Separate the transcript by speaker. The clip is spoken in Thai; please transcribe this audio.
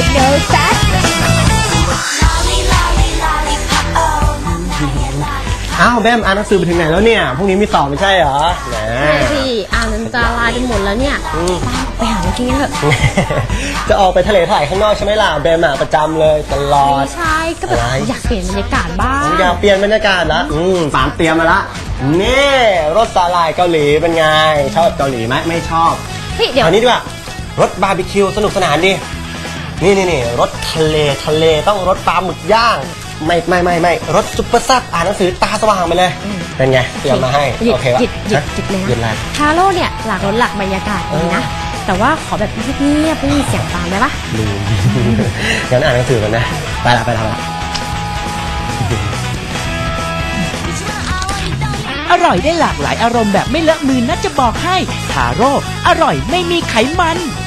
Speaker 1: no sex
Speaker 2: อ้าวแบมอ่านหนังสือไปถึงไหนแล้วเนี่ยพรุ่งนี้มีสอบไม่ใช่เหรอแหม
Speaker 1: พี่อ่านจนจะลายจนหมดแล้วเนี่ยไปหาอะไรกินกันเถอะ
Speaker 2: จะออกไปทะเลถ่ายข้างนอกใช่ไหมล่ะแบมประจำเลยตลอด
Speaker 1: ใช่ก็แบบอยากเปลี่ยนบรรยากาศบ้าง
Speaker 2: อยากเปลี่ยนบรรยากาศละฝานเตรียมมาละนี่รสสาหร่ายเกาหลีเป็นไงชอบเกาหลีไหมไม่ชอบ
Speaker 1: เดี๋ยว
Speaker 2: อันนี้ดีกว่ารสบาร์บีคิวสนุกสนานดินี่รสทะเลต้องรสปลาหมึกย่างไม่รสซุปเปอร์ซับอ่านหนังสือตาสว่างไปเลยเป็นไงเตรียมมาให้โอเคป่ะหยิบเลยนะ
Speaker 1: ฮาโลเนี่ยหลากรสหลากบรรยากาศดีนะแต่ว่าขอแบบเงียบๆไม่มีเสียงตามได้ปะ
Speaker 2: งั้นอ่านหนังสือกันนะไปละ
Speaker 3: อร่อยได้หลากหลายอารมณ์แบบไม่เลอะมือนะจะบอกให้ทาโร่อร่อยไม่มีไขมัน